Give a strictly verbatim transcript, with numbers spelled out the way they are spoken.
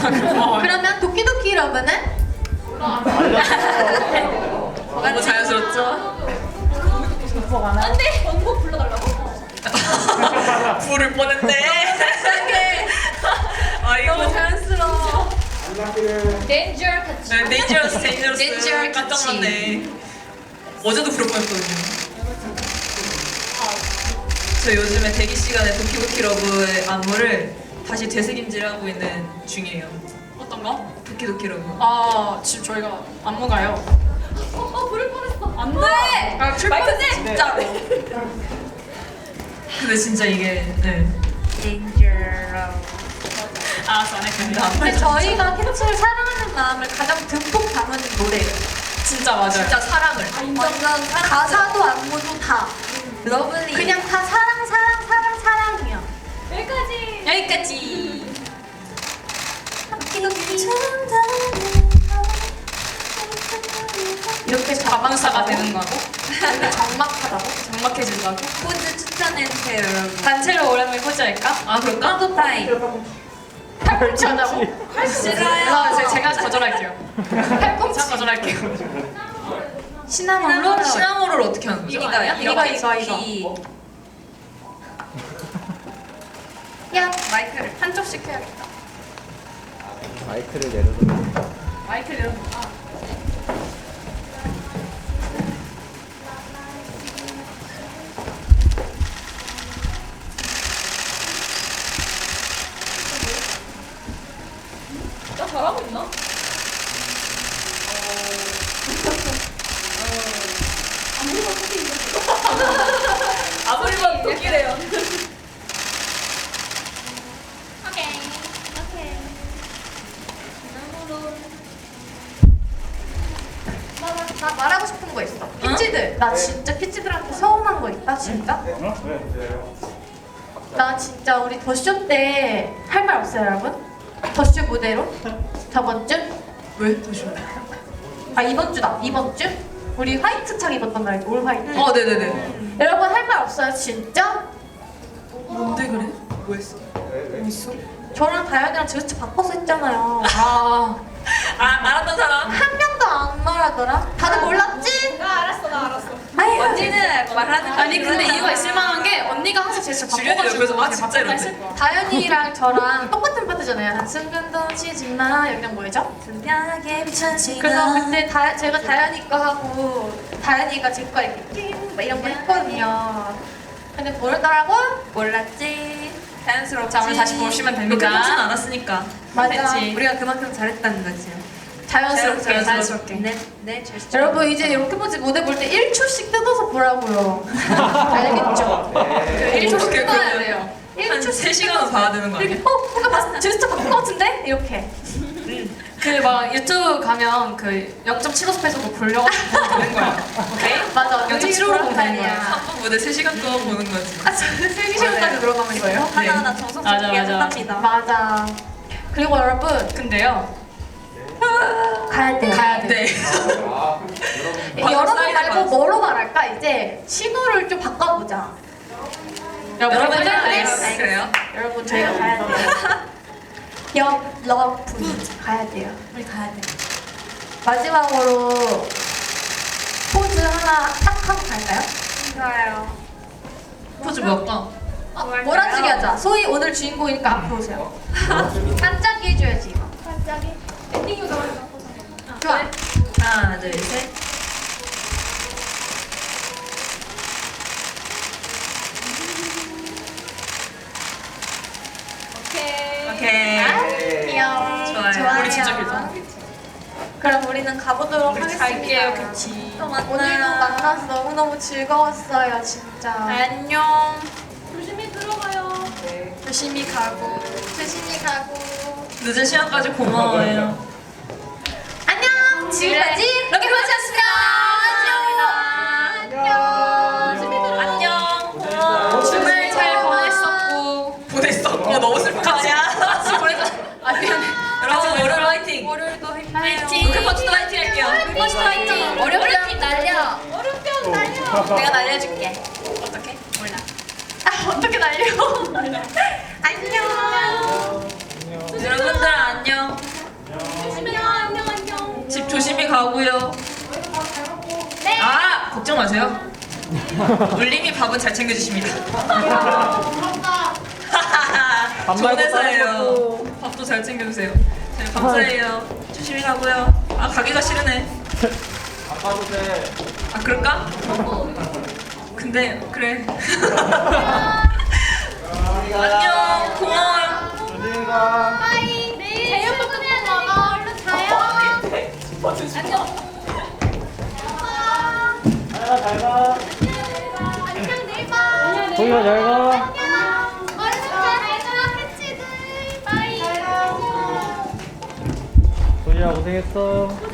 그러면 도끼도끼 러브는? 너무 자연스럽죠? 안돼! 원곡 불러달라고? 부를 뻔했네. 아이고. 너무 자연스러워. Danger 같이. 네, 데인저러스, 데인저러스. Danger 깜짝 같이. 놀랐네. 어제도 부를 뻔했거든요. 저 요즘에 대기 시간에 도키도키 러브의 안무를 다시 되새김질하고 있는 중이에요. 어떤 거? 도키도키 러브. 아 지금 저희가 안무가요. 어, 어, 부를 뻔했어. 안 돼! 아, 마이크님! 진짜로. 근데 진짜 이게 네. Danger. 알았어 안 할게. 근데 저희가 캡슐 사랑하는 마음을 가장 듬뿍 담은 노래예요. 진짜 맞아요. 진짜 사랑을. 완전 가사도 안무도 다. 러블리. 그냥 다 사랑 사랑 사랑 사랑이야. 여기까지. 여기까지. 이렇게 가방사가 되는 거고 이렇게 적막하다고? 적막해진다고. 포즈 추천해주세요 여러분. 단체로 오랜만에 포즈 할까? 아 그럴까? 파도 타임. 팔꿈치 하자고? 싫어요. 아, 제- 제가 거절할게요. 팔꿈치 거절할게요. 시나몬로? 시나모를 어떻게 하는 거죠? 이거요? 이거 이거 이거. 야 마이크를 한쪽씩 해야겠다. 마이크를 내려놓고 마이크 내려. 아. 나 잘하고 있나? 아무리만 도끼래요. 오케이 오케이. 나, 나, 나 말하고 싶은 거 있어. 피치들. 나 진짜 피치들한테 서운한 거 있다 진짜. 나 진짜 우리 더쇼 때 할 말 없어요 여러분? 더쇼 무대로? 저번 주? 왜? 잠시만. 아 이번 주다 이번 주? 우리 화이트 착 입었단 말이야 올 화이트. 어 네네네. 여러분 할 말 없어요 진짜? 뭔데 그래? 뭐 했어? 저랑 다현이랑 제스처 바꿔서 했잖아요. 아. 아 알았던 사람? 한 명도 안 말하더라. 다들 몰랐지? 나 알았어 나 알았어. 아니 언니는 말하는 아니 근데 이유가 있을 만한 게 언니가 항상 제스처 주련이 바꿔가지고 옆에서 아, 이렇게 진짜 바꿔서 이런데? 했을 거야. 다현이랑 저랑 똑같은 파트잖아요. 한순간도 쉬지 마. 여기랑 뭐였죠? 분명하게 비춰 지나. 그래서 그때 다, 제가 다현이 거 하고 다현이가 제 거 이렇게 띵 막 이런 거 했거든요. 근데 모르더라고? 몰랐지. 자연스럽지. 자 오늘 다시 보시면 됩니다. 그렇게 하진 않았으니까. 맞아. 그치. 우리가 그만큼 잘했다는 거지. 자연스럽게. 자연스럽게. 자연스럽게. 네, 네, 여러분 이제 이렇게까지 무대 볼 때 일 초씩 뜯어서 보라고요. 알겠죠? 그 일 초씩 어떻게 뜯어야 그러면 돼요. 한 일 초씩 세 시간은 봐야 되는 거 아니야? 이렇게 어? 뭔가 봤- 제스처 바꾼 것 같은데? 이렇게. 그 막 유튜브 가면 그 영 점 칠오 스페이스로 돌려가지고 되는 거야. 오케이? 맞아. 영 점 칠오로 보면 되는 거야. 한 번 무대 세 시간 동안 보는 거지. 아, 세 시간까지 들어가는 거예요? 네. 하나하나 정성 맞아, 들게 맞아. 한답니다. 맞아. 그리고 여러분 근데요. 가야 돼. 가야 돼. 네. 여러분 사이드 말고 받았어. 뭐로 말할까? 이제 신호를 좀 바꿔보자. 여러분 여러분 해줘야 네. 돼. 그래요? 여러분 저희가 가야 돼요. 옆 러브 가야 돼요. 우리 가야 돼. 마지막으로 포즈 하나 딱 하고 갈까요? 좋아요. 포즈 뭐 할까? 어, 몰아주기 하자. 소희 오늘 주인공이니까 앞으로 오세요. 반짝이 해줘야지 이거. 반짝이. 엔딩 요정 좋아. 하나, 둘, 셋. 오케이. 오케이. 아, 귀여워. 좋아요. 우리 진짜 길다. 그럼 우리는 가보도록 우리 하겠습니다. 갈게요, 그치. 또 만나요. 오늘도 만나서 너무너무 즐거웠어요, 진짜. 안녕. 조심히 들어가요. 조심히 가고. 조심히 가고. 늦은 시간까지 고마워요. 안녕. 지금까지 럭키 펀치였습니다. 안녕. 안녕. 조심히 들어가. 안녕. 고마워. 주말 잘 보냈었고. 보냈었고 너무 슬픈 거 아니야? 같이 보내자. 아 미안해. 여러분 월요일 화이팅. 월요일도 힘내요. 화이팅. 로켓 펀치도 화이팅 할게요. 펀치 화이팅. 월요병 날려. 월요병 날려. 내가 날려줄게. 어떻게? 몰라. 아, 어떻게 날려? 안녕. 여러분들 안녕. 가고요. 네. 아 걱정 마세요. 울림이 밥은 잘 챙겨주십니다. 밥 좋은 말고 다른 회사예요. 것도. 밥도 잘 챙겨주세요. 네, 감사해요. 조심히 가고요. 아 가기가 싫으네. 안 가도 돼. 아 그럴까? 근데 그래. 안녕. 고마워요. 조심히 가. 빠이. 제육 볶음면 먹어. 얼른 자요. 안녕. 잘 가, 잘 가. 안녕 내일 봐. 동이가 잘 가. 안녕. 얼른 가. 패치들. 빠이. 동이야 고생했어.